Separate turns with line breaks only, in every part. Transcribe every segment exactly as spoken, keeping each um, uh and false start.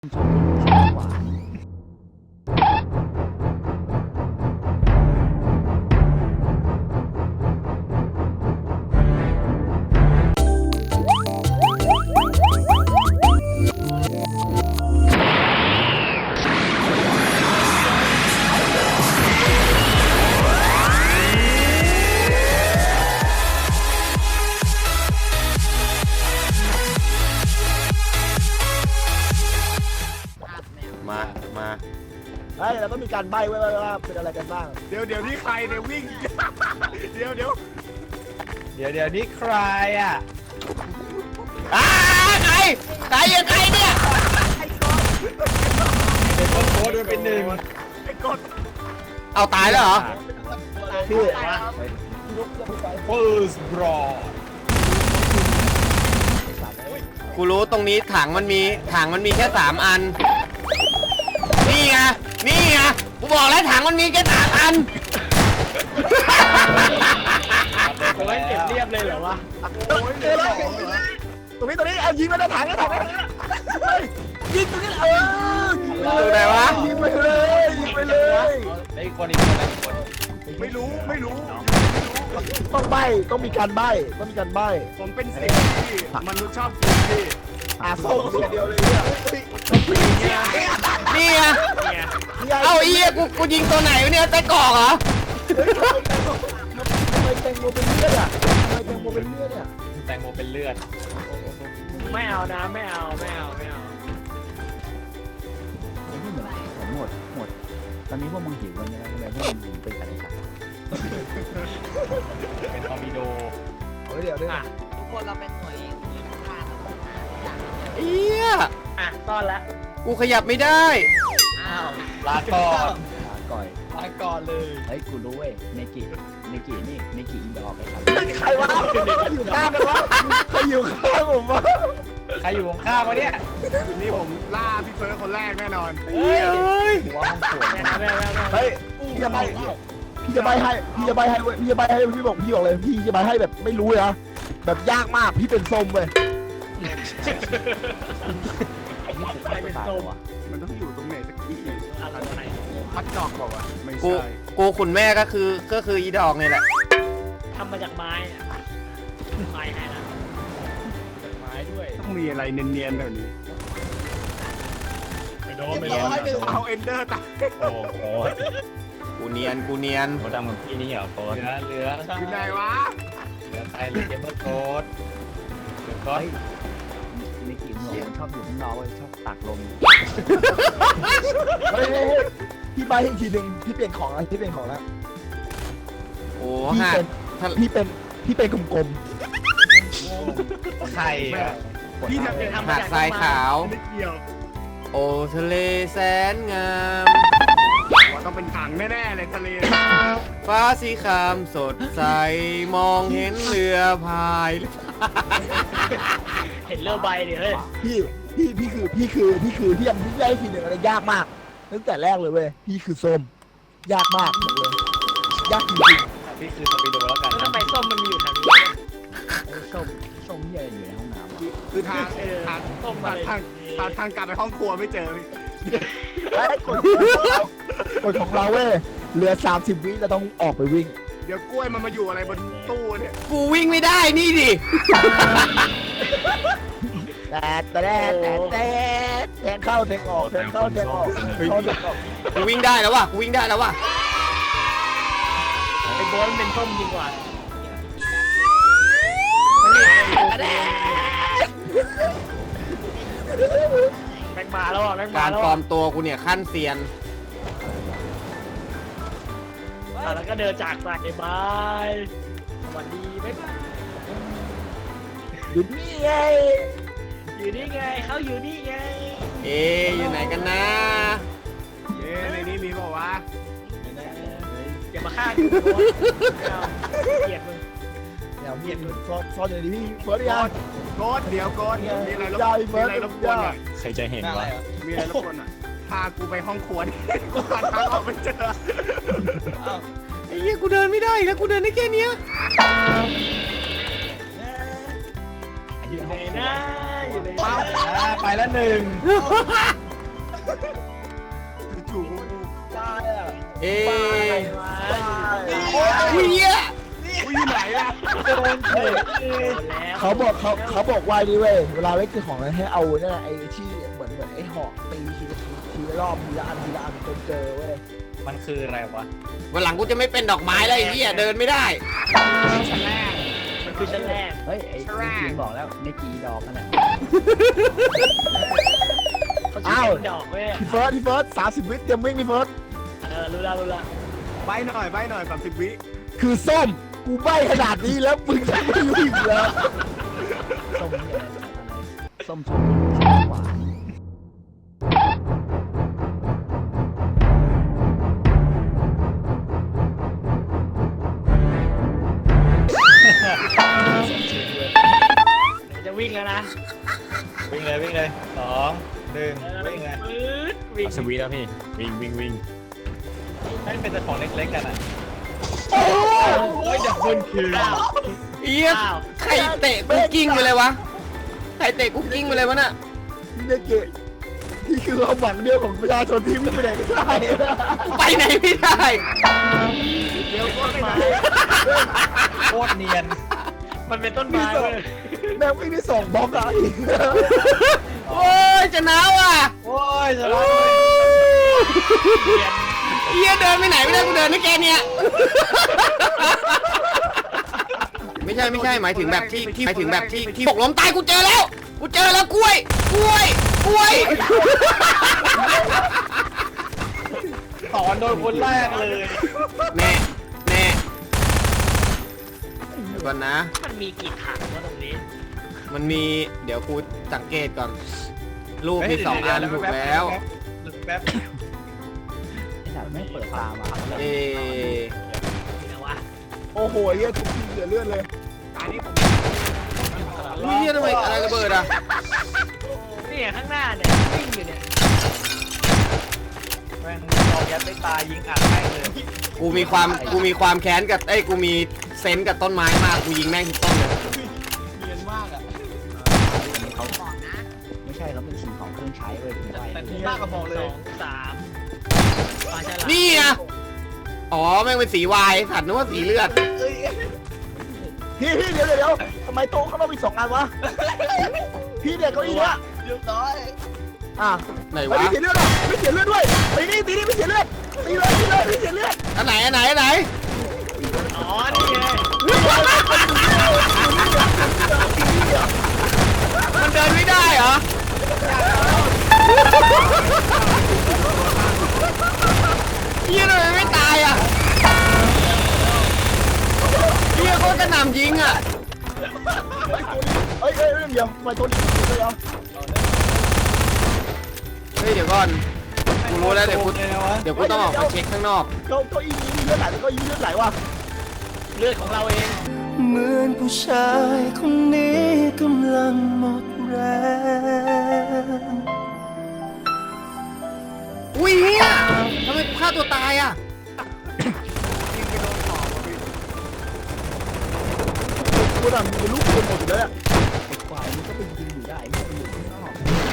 ชอบชอบกว่า
มามา
เฮ้ยเราต้องมีการใบ้ไว้ว่าเป็นอะไรกันบ้าง
เดี๋ยวเดี๋ยวนี่ใครเนี่ยวิ่ง เดี๋ยวเดี๋ยว
เดี๋ยวเดี๋ยวนี่ใครอ่ะ
อ้าใครใครยังใครเนี่ย
เป็นต้นโค้ดมันเป็นหนึ่ง
ไอ้กด
เอาตายแล้วเหรอ
พี่
เฟิร์สบรอ
กูรู้ตรงนี้ถังมันมีถังมันมีแค่สามอันนี่ไงนี่ไงกูบอกแล้วถังมันมีแค่สามอัน
โอ้ยเก็บเรียบเลยเหรอวะ
โอ้ยเลยตรงนี้ตรงนี้เอายิงมาในถังในถังในถังยิงตรงนี้เออ
อยู่ไหนวะ
ยิงไปเลยยิงไปเลย
ไอ้คนอีกคนอีกคน
ไม่รู้ไม่รู้
ต้องใบ้ต้องมีการใบ้ต้องมีการใบ้
ผมเป็นสิ่งที่มนุษย์ชอบกินพี่
อ่ะส่งเสียเดียวเลยเนี่ย
นี่ไง
เนี่ย
เอ้าไอ้เหี้ยกูกูยิงตัวไหนวะเนี่ยไส้กรอกเหรอ
ทำไมแตงโมเป็นเลือดอ่ะทำไมแตงโมเป็นเลือดเนี่ย
แตงโมเป็นเลือด
ไม่เอานะไม่เอาไม่เอาไม่เอา
ไม่เหมือนผมหมดหมดตอนนี้พวกมึงหิวกันยังไงทำไมพวกมึงหิวเป็นอะไรกัน
เป็นทอร์มิโด
เอาไว้เดี๋ยวด้วย
อ่ะ
ทุกคนเราเป็นหน่วยหน่วยทหาร
เอี้ย
อ่ะต้อนละ
กูขยับไม่ได้
อ้าว
ลาก่อน
ลาก่อย
ลาก่อนเลย
เฮ้ยกูรู้เว้ยเนกิเนกินี่เนกิอีดอกไปครับ
ใครวะอยู่ข้างกันวะใครอยู่ข้างผมวะ
ใครอยู่ข้างๆวะเนี่ย
นี่ผมล่าพี่เฟิร์สคนแรกแน่นอน
เฮ้ยเอ้ย
หัวห้องขวด
ไม่เอาไม่เอาไม่เอา
เฮ้ยพี่จะใบ้พี่จะใบ้ให้พี่จะใบ้ให้เว้ยพี่จะใบ้ให้พี่บอกพี่บอกเลยพี่จะใบ้ให้แบบไม่รู้เลยนะแบบยากมากพี่เป็นส้มเว้ย
ใครเป็นส้ม
มันต้องอยู่ตรงไหนสักที่
อะไรไหน
พัดดอกบอกว่าไม่
กู
ใช่
กูขุนแม่ก็คือก็คืออีดอกนี่แหละ
ทำมาจากไม้อะไม้ให้ละ
ไม้ด้วย
ต้องมีอะไรเนียนๆแบบนี้
ไม่โดนไม่โดน
เอาเอนเดอร์ตาย
โอ้โห
กูเนียนกูเนียน
เขาทำกับพี่นี่เหรอโค้ด
เหลือเหลือ
อยู่ไหนวะ
เหลือใครเหลือเกมเมอร์โค้ดเหลือก้อน
เนกิหนูมันชอบอยู่ข้างนอกเว้ยชอบตักลม
เฮ้ยเฮ้ยเฮ้ยพี่ใบ้ให้อีกทีหนึ่งพี่เปลี่ยนของอะไรพี่เปลี่ยนของแล้ว
โอ้
พี่
ฮะ
เป็น
ถ้า
พี่เป็นพี่เป็นกลม
ใครอ่ะ
พี่ทำ
เป็
เป็น น
ทำมา
หาด
จาก
ทรายขาว
ไม่เกี่ยว
โอ้ทะเลแสนงาม
ว่าต้องเป็นถังแน่ๆเลยทะเล
ฟ้าสีครามสดใสมองเห็นเรือพาย
เห็นเรือใบดิเฮ้ย
ๆพี่พี่พี่คือพี่คือพี่คือพี่ยังพี่ได้ทีหนึ่งอะไรยากมากตั้งแต่แรกเลยเว้ยพี่คือส้มยากมากบอกเลยยากจริง
พี่คือทอร์มิโดแล้วกัน
แล้วทำไมส้มมันมีอยู่แถวนี้
ส้มส้มเหี้ยอยู่ในห้องน้ำ
คือทาง
เออ
ทาง
ส้มอะไร
ทางทางทางกลับไปห้องครัวไม่เจอ
ๆไอ้กฎกฎของเราเว้ยเหลือสามสิบวิเราต้องออกไปวิ่ง
เดี๋ยวกล้วยมันมาอยู่อะไรบนตู้เนี่ย
กูวิ่งไม่ได้นี่ดิ
แต่แต่แต่แต่แทงเข้าแทงออกแทงเข้าแทงออกแทงเข้าแทงออก
กูวิ่งได้แล้วว่ะกูวิ่งได้แล้วว่ะ
ไอ้โบอลมันเป็นส้มจริงกว่า แม็กมาแล้วอ่ะแม็กมา
การ
แล้ว
ปลอ
อ่ะ
มตัวกูเนี่ยขั้นเซียน
อ่ะแล้วก็เดินจากไปบายสวัสดีบ๊ายบาย
อยู่นี่ไง
อยู่นี่ไงเขาอยู่นี่ไง
เอ๊ะอยู่ไหนกันนะ
เย้ในนี้มีบอกว่า
อย่ามาฆ่ากูโบอลไม่เอาเกลียดมึง
เดี๋ยวพี่ซ่อนซ่อนอยู่ดีพี่เฟิร์ส
โก
ยัง
ดโกดเดี๋ยวโกดมีอะไรรบ
ได้
มี
เฟิร์ส
อะไรรบกวนหน่อย
ใครจะเห็นวะ
มีอะไรรบกวนหน่อยพากูไปห้องครัวดิกูหาทางออกไม่เจอ
ไอ้เหี้ยกูเดินไม่ได้อีกแล้วกูเดินได้แค่เนี้ย
อยู่ไหนนะอยู่ไหน
อ่าไปแล้วหนึ่ง
อุ้ยเหี้ย
กูอยู่ไหนล่ะ
โดนเฉย
โดนแล้ว
เขาบอกเขาเขาบอกว่านี่เว้ยเวลาเล่นคือของให้เอาเนี่ยไอ้ที่เหมือนเหมือนไอ้หอกตีทีละทีละรอบทีละอันทีละอันจนเจอเว้ย
มันคืออะไรวะ
วันหลังกูจะไม่เป็นดอกไม้แล้วไอ้เหี้ยเดินไม่ได้
ชั้นแรก
มันคือชั้นแรก
เฮ้ยไอ้ไอ้จีนบอกแล้วในจีดอกนั่นแหละ
เขาชื่อเป็นดอกเว้ย
พี่เฟิร์สพี่เฟิร์สสามสิบวิเตรียมวิ่งพี่เฟิร์ส
เออรู้ละรู้ละ
ใบหน่อยใบหน่อยสามสิบวิ
คือส้มกูใบขนาดนี้แล้วมึงจะไม่รู้อีกเหรอ
ส้มเนี่ยอะไรส้มชมส้มหวาน
จะวิ่งแล้วนะ
วิ่งเลยวิ่งเลยสองหนึ่ง
เออ
วิ่งเลย
ปื๊ดวิ่ง
สวีทแล้วพี่ วิ่งวิ่งวิ่ง
ให้เป็นแต่ของเล็กๆกันอ่ะ
โอ้ยเดี๋ยวคุณคืออ้าว
เหี้ย
อ้าว
ใครเตะกูกิ้งไปเลยวะใครเตะกูกิ้งไปเลยวะน่ะ
พี่เนเกะนี่คือความหวังเดียวของประชาชนที่ไม่ไปไหนไม่ได้
กูไปไหนไม่ได้
เดี๋ยวต้นไม้
โคตรเนียน
มันเป็นต้นไม้เว้ย
แม่งไม่ได้ส่งบล็อกอะอีก
โอ้ยจะหนาวอ่ะ
โอ้ยจะ
โอ้
ร้อน
ยเหี้ยเดินไปไหนไม่ได้กูเดินไม่แกเนี่ยไม่ใช่ไม่ใช่หมายถึงแบบที่ที่หมายถึงแบบที่ที่หกล้มตายกูเจอแล้วกูเจอแล้วกล้วยกล้วยกล้วย
สอนโดนคนแรกเลย
แน่แน่เดี๋ยวก่อนนะ
มันมีกี่ถังวะตรงนี้
มันมีเดี๋ยวกูสังเกตก่อนรูปมีสองอันถูกแล้ว
แป๊บ
ไอ้สัตว์ไม่เปิดตามา
เอ
นี่นะวะ
โอ้โหเหี้ยทุกทีเหลือเลือดเลย
ตานี้ผม
อุ้ยเฮียทำไมอะไรระเบิดอ่ะ
เนี่ยข้างหน้าเนี่ยวิ่งอยู่เนี่ย
แม่งเอายัดไปตายยิงอัดไปเลย
กูมีความกูมีความแค้นกับเอ้ยกูมีเซนส์กับต้นไม้มากกูยิงแม่งทุกต้นเลย
เนียนมากอ่ะ
เขาไม่ใช่เขาเป็นสิ่งของเครื่องใช้เว้ยผมไป
แต่ที่มากกว่าบอกเล
ส
ย
องสามปลาฉลาม
นี่อ่ะอ๋อแม่งเป็นสีวายสัตว์นึกว่าสีเลือด
พี่พี่เดี๋ยวเดี๋ยวเดี๋ยวทำไมโต๊ะเขาต้องมีสองอันวะพี่เด็กเก้าอี้เนี่ย
เรียบร้อย
อ่ะ
ไหน
ไม่
วะ
เสียเลือดหรอไม่เสียเลือดด้วยตีนี่ตีนี่ไม่เสียเลือดตีเลยตีเลยไม่เสียเลือด
อันไหนอันไหนอันไหน
อ๋อนี่ไง
มันเดินไม่ได้เหรอเฮียทำไมไม่ตายอ่ะเฮียโคตรกระหน่ำยิงอ่ะ
เอ้ยเอ้ยเอ้ยเดี๋ยวทำไมตัวนี้ไม่เสียเลือด
เฮ้ยเดี๋ยวก่อนกูรู้แล้วเดี๋ยวกู
เลยวะ
เดี๋ยวกูต้องออกไปเช็คข้างนอก
เก้าเก้าอี้นี้มีเลือดไหลเก้าอี้เลือดไหลวะ
เลือดของเราเอง
เหมือนผู้ชายคนนี้กำลังหมดแรง
อุ้ยเฮียทำไมฆ่าตัวตายอ่ะ
กูน่ะมีลูกปืนหมดอยู่แล้ว
ไอ้กวางมันก็เป็นยิงอยู่ได้ไม่เป็นอยู่ข้างนอก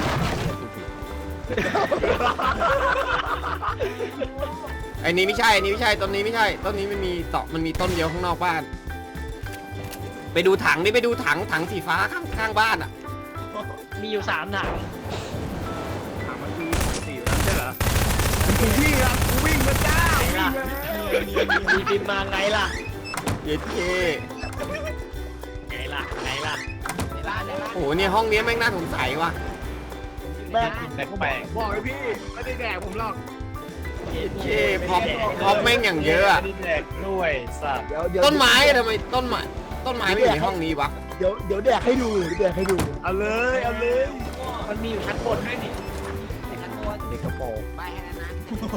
ไอ้นี้ไม่ใช่ไอ้นี้ไม่ใช่ต้นนี้ไม่ใช่ต้นนี้มันมีต่อมันมีต้นเดียวข้างนอกบ้าน ไปดูถังดิไปดูถังถังสีฟ้าข้างข้างบ้านอ่ะ
มีอยู่สามถัง
ถามมันคือสี่แล้วใช่เหรอคุณพี่ครับกูวิ่งมาจ้า
ไงล่ะมีบินมาไงล่ะ
เย็ดเค
ไงล่ะไงล่ะ
โอ้โหเนี่ยห้องนี้แม่งน่าสงสัยว่ะ
แม่ง
แปลก
บอกเลยพี่ไม่ได้แดกผมหรอก
เย็ดเคพอปพอปแม่งอย่างเยอะอะ
ไม่ได้แดกด้วยสัตว์
เดี๋ยวเดี๋ยว
ต้นไม้อะทำไมต้นไม้ต้นไม้ไม่อยู่ในห้องนี้วะ
เดี๋ยวเดี๋ยวแดกให้ดูเดี๋ยวแดกให้ดู
เอาเลยเอาเลย
มันมีอยู่ชั้นบนด้วยนี่
แต่ขั้นบน
เด็กกระโปรง
ไปให้นั้นนะ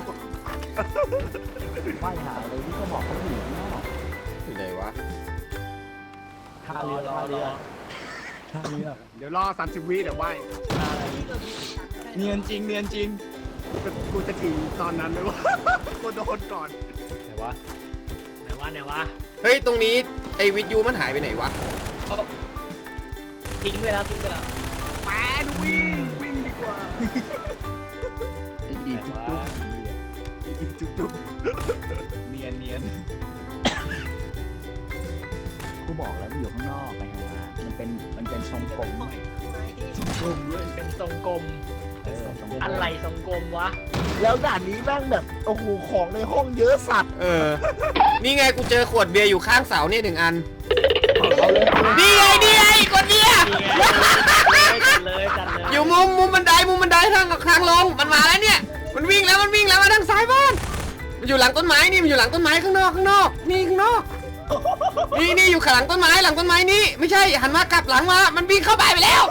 ว่ายหาเลยที่เขาบอกเขาอยู่ข้างนอก
อยู่ไหนวะ
ท่าเรือท่าเรือท่าเรือ
เดี๋ยวรอสามสิบวิเดี๋ยวไหวเนียนจริงเนียนจริงกูจะถึงตอนนั้นไหมวะกูโดนก่อน
ไหนวะ
ไหนวะไหนวะ
เฮ้ยตรงนี้ไอ้วิทยุมันหายไปไหนวะ
ทิ้งไปแล้วทิ้งไปแล้ว
แปดวิ่งวิ่งดีกว่า
อีกจุ๊บจุ๊บ
จุ๊บจุ๊บ
เนียนเนียน
กูบอกแล้วมันอยู่ข้างนอกไปหามันเป็นมันเป็นทรงกลม
กลมด้วยเป็นทรงกลม
เออทรงกลม
อะไรทรงกลมวะ
แล้วด่านนี้แม่งแบบโอ้โหของในห้องเยอะสัตว์
เออ นี่ไงกูเจอขวดเบียร์อยู่ข้างเสาเนี่ยหนึ่งอัน
เอาเลยเอาเลย
นี่ไงนี่ไงขวดเบียร์
นี่ไงจัดเลยจัดเลย
อยู่มุมมุมบันไดมุมบันไดทางทางลงมันมาแล้วเนี่ย มันวิ่งแล้วมันวิ่งแล้วมาทางซ้ายบ้านมันอยู่หลังต้นไม้นี่มันอยู่หลังต้นไม้ข้างนอกข้างนอกนี่ข้างนอกนี่นี่อยู่ข้างหลังต้นไม้หลังต้นไม้นี่ไม่ใช่หันมากลับหลังมามันวิ่งเข้าไปไปแล้ว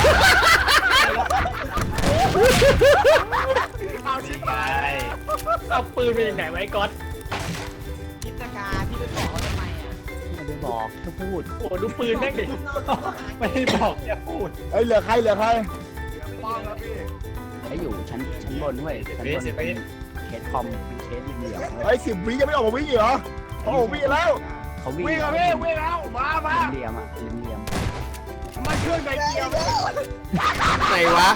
เอาชิบหาย
เอาปืนไปยังไหนไว้ก๊อต
พิจกาพี่ไปบอกเขาทำไมอ่ะ
ไม่ได้บอกแค่พูด
โอ้ดูปืนแม่งดิ
ไม่ได้บอกแค่พูด
เอ้ยเหลือใครเหลือใคร
ป้องแล้วพี่
ไอ้อยู่ชั้นชั้นบนด้วยชั้นบนเป็นเคสคอมเป็นเคสเหลี่ยมๆเว้
ไอ้
ย
สิบวิยังไม่ออกมาวิ่งอีกเหรอโอ้โหวิ่งแล้ว
เขาวิ่ง
วิ่งเอาพี่วิ่งเอามามา
เหลี่ยมๆอ่ะเหลี่ยม
มันเครื่องไดเกียว
ไหนวะ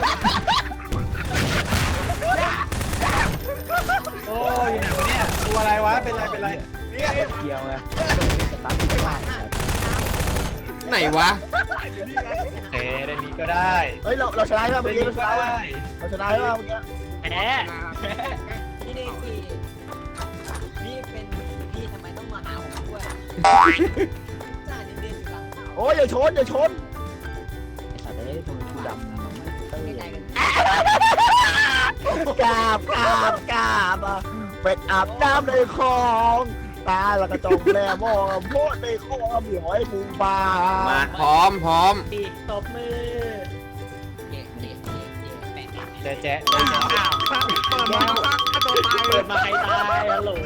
โอ้ยอยู่ไหนวะเนี่ยตัวอะไรวะเป็นไรเป็นไร
นี่
ๆเกี่ยวไงสตาร์ทติดบ้าน
ไหนวะ
โอเคได้นี้ก็ได้
เฮ้ยเราเราชนะใช่ไหม
ได้
เมื่อกี้
นี้
เราช
ก็
นะ
ได้
เราชนะใช่ไหมเมื่อกี้
แหม
พี่เดกี้พี่เป็นพี่ทำไมต้องมาหาผมด้วยจ่าเด่นๆอยู่หลังเขา
โอ้ยอย่าชนอย่าชน
ไอ้สัตว์เอ้ยทำไมกูดำมันไม่เต้ย
ไม่ใจ
เลย
กัน
กราบกราบกราบอ่ะเป็ดอาบน้ำในคลองตาแล้วก็จงแลมองโพดในคลองเหลียวไอ้ปูปลา
มาพร้อมพร้อม
ดีตบมือ
เจ๊เจ๊เจ๊เจ๊แปะ
แจ๊ะแจ๊ะ
อ้าว
เปิดมาฆ่าตัวตายเล
เปิ
ย
ดมาใครตายฮัลโหล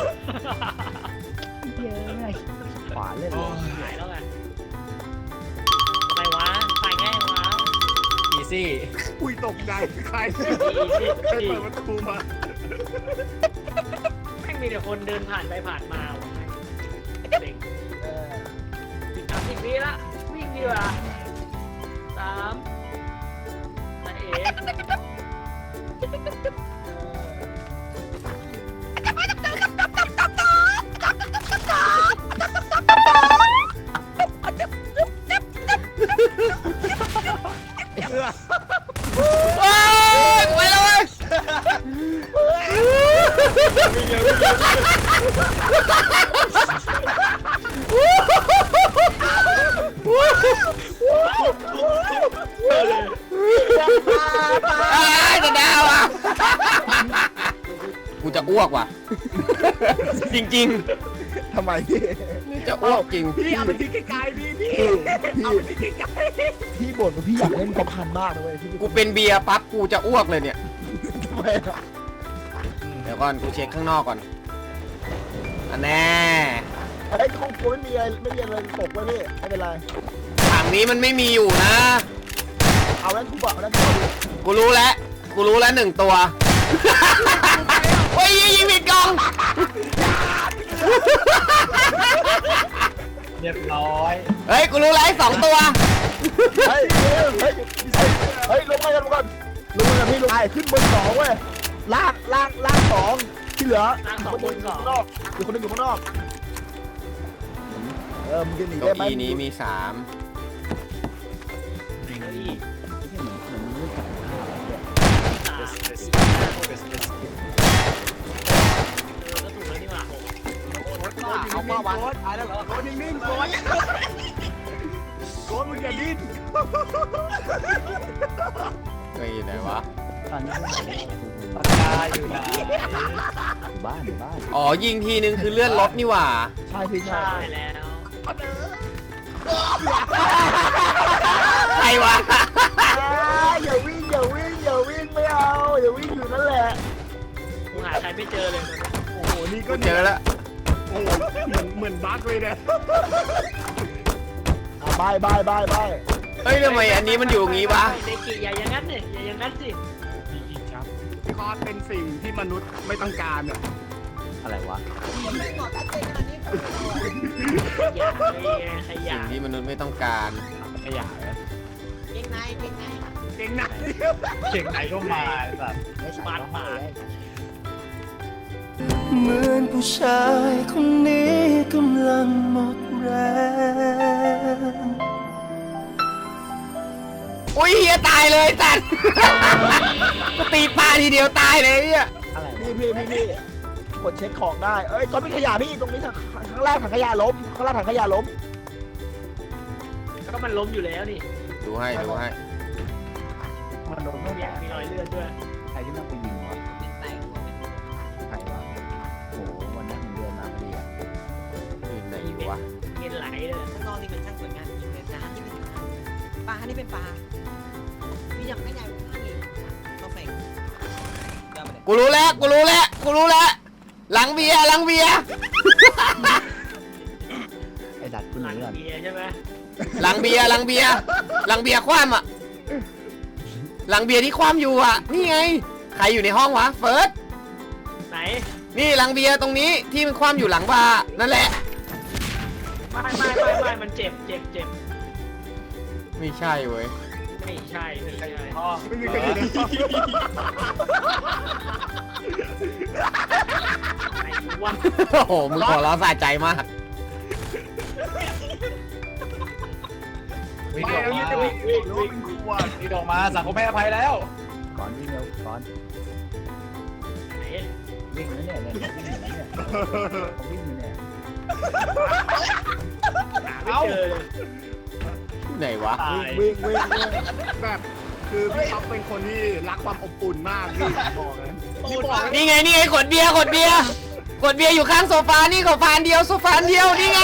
เยอะแม่ขวาเล่นเลย
หายแล้วไงทำไมวะตายง่ายวะ
อีซี่
อุ้ยตกใจใคร
ดี
ใคร
ดี
เปิดประตูมา
แม่งมีแต่คนเดินผ่านไปผ่านมาวะเด็กอีกสามสิบวิละวิ่งดีกว่าสามนั่นเอง
โอ้ยไปแล้วเว้ยอ้ายจะดาวอ่ะกูจะอ้วกว่ะ จริง
ทำไมพี่
ๆ จะอ้วกจริง
พี่เอาไปทิ้งไกลๆพี่พี่
พี่
เอาไปทิ้งไกล
พี่บ่นว่าพี่อยากเล่นกระพันมากเลยเว้ยพี่
กูเป็นเบียร์ปั๊บกูจะอ้วกเลยเนี่ย
ทำไมอ่ะ
เดี๋ยวก่อนกูเช็คข้างนอกก่อนอันแน่
ไอ้คงกูไม่มีอะไรไม่มีอะไรตกไว้พี่ไม่เป็นไร
ถังนี้มันไม่มีอยู่นะ
เอาแล้วกูบอกแล้วกูบอก
กูรู้แล้ว กูรู้แล้วหนึ่งตัว โอ้ยยิงผิดกล่อง
เรียบร้อย
เฮ้ย กูรู้แล้วไอ้สองตัว
เฮ้ยเฮ้ยเฮ้ยเฮ้ยลงมากันลงกันลงมากันพี่ลงไปขึ้นบนสองเว้ยล่างล่างล่างสองที่เหลือ
ล่างสองบนสอง
ข้างนอกอยู่คนหนึงอยู่ข้างนอกเออมึงจะหนี
เก้า
ได้ไหม
อี้นี้มีสาม
เก้าอี้
ไม่ใช่เหมือนเหมือนมึงจับข้าวเนี่ย
สาม
เบส
สี่
เบส
ห้าหก
เบสเบส
เออก็ถูกแล้วนี่หว่าหก
ๆโกดเอามาวันตายแล้วเหรอโกดนิ่งๆโกดโกดมึงอย่าดิ้น
เฮ้ยอยู่ไหนวะ
ตอนนี้พวกผมเนี่ย
ปากกาอยู่ไหน
อยู่บ้านอยู่บ้าน
อ๋อ ยิงทีนึงคือเลื่อนรถนี่หว่า
ใช่พี่ใช่
ใช่แล้ว
ใครวะ
อย่าวิ่งอย่าวิ่งอย่าวิ่งไม่เอาอย่าวิ่งอยู่นั่นแหละ
กูหาใครไม่เจอเลยตอนนี้
โอ้โหนี่ก็
กูเจอแล้ว
โอ้โหเหมือนเหมือนบั๊กเลยเนี่ย
อ่ะบายบายบายบาย
เฮ้ยทำไมอันนี้มันอยู่อย่างงี้วะ
เดกิอย่าอย่างนั้นสิอย่าอย่างนั้นสิ
คอสเป็นสิ่งที่มนุษย์ไม่ต้องการอ่ะ
อะไรวะ
ผมไม่บอกชัดเจนขนาดนี้
อย่าเลยขยะ
สิ่งที่มนุษย์ไม่ต้องการ
ขยะเหรอ
เก่งในเก่งใน
เก่งหนัก
เก่งไหนก็มาไอ้สัตว์
ไม่ใส่ก็ให้เลย
เหมือนผู้ชายคนนี้กำลังหมดแรง
อุ้ยเฮียตายเลยจัด กูตีปลาทีเดียวตายเลยเนี่ย
อะไร
พี่พี่พี่พี่กดเช็คของได้เอ้ยก็มีขยะพี่ตรงนี้ทางข้างล่างถังขยะล้มข้างล่างถังขยะล้ม
ก็มันล้มอยู่แล้วนี่
ดูให้ดูให้
มันโดน
มีมีรอยเลือดด้วย
ใครที่นั่งไปยิงวะ
เป็นไตหัวเป็น
ใครวะโอ้โหวันนั้นผมเดินมาพอดีอะ
อยู่ไหนวะ
เงินไหลเลย
ข้างนอกนี่เป็นช่างสวยงามจริงเลยน้ำนี่เป็นน้ำปลานี่เป็นปลาพี่ยังไม่ใหญ่กว่าข้างอีกต้องแฝงเดี๋ยวไปเลย
กูรู้แล้วกูรู้แล้วกูรู้แล้วหลังเบียร์หลังเบียร์
ไอ้ดัดกูห
หลั
นี
ง
ก่อน
เบียร์ใช่ไหม
หลังเบียร์หลังเบียร์หลังเบียร์คว่ำอ่ะหลังเบียร์ที่คว่ำอยู่อ่ะนี่ไงใครอยู่ในห้องวะเฟิร์ส
ไหน
นี่หลังเบียร์ตรงนี้ที่มันคว่ำอยู่หลังบาร์นั่นแหละ
ไม่ไม่ไม่ไม่มันเจ็บเจ็บเจ็บ
ไม่ใช่เว้ย
ไม่ใช่ไม่ใช่
ไม่มีใครอยู่ในห้อง
ไหนวะ
โอ้โหมึงขอร้องสะใจมาก
วิ่ง
ไม่
ออก
แล้ว
มา
นี่จะวิ่งวิ่งวิ่งขวด
วิ่งออกมาสังคมให้อภัยแล้ว
ก่อนวิ่งเร็วก่อน
ไหน
วิ่งแล้วเนี่ยเนี่ยผมวิ่งอยู่เนี่ยผมวิ่งอยู่เนี่ย
หาไม่เจอเลย
ไหนวะ
ตาย
วิ่งวิ่งวิ่ง
แบบคือพี่ท็อปเป็นคนที่รักความอบอุ่นมากพี่บอกเลยพี่บอกเลย
นี่ไงนี่ไงขวดเบียร์ขวดเบียร์ขวดเบียร์อยู่ข้างโซฟานี่โซฟาอันเดียวโซฟาอันเดียวนี่ไง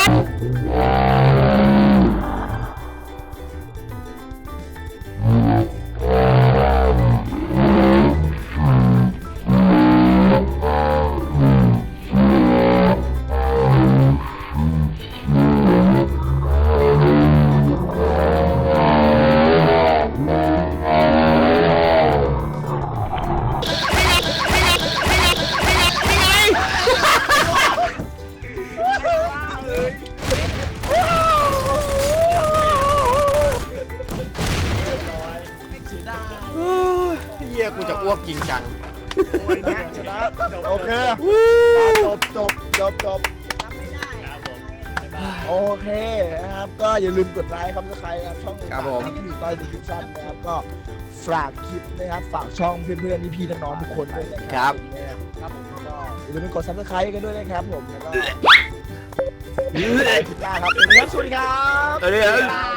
เฮียกูจะอ้วกจริงจัง
โอ้ยนะชนะ
โอเคจบจบจบจบ
ทำไม่ได้
โอเคนะครับก็อย่าลืมกดไลค์ครับถ้าใครครับช่อง
ครับผม
ที่อยู่ใต้ดีสคริปชั่นนะครับก็ฝากคลิปนะครับฝากช่องเพื่อนๆพี่ๆน้องๆทุกคนด้วยนะครับครับผมก็อย่าลืมไปกดซับสไครต์กันด้วยนะครับผมแล้วก็คลิปหน้าครับสวัสดีครับ
เดี๋ยว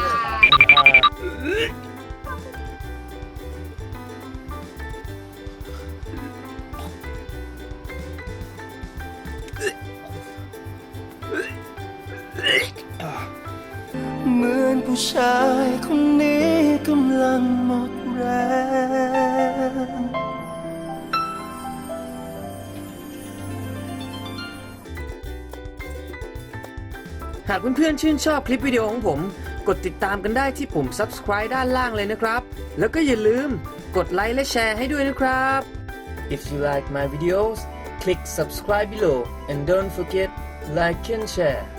เหมือนผู้ชายคนนี้กำลังหมดแรง
หากเพื่อนๆชื่นชอบคลิปวิดีโอของผม กดติดตามกันได้ที่ปุ่ม subscribe ด้านล่างเลยนะครับ แล้วก็อย่าลืมกดไลค์และแชร์ให้ด้วยนะครับ If you like my videos click subscribe below and don't forget like and share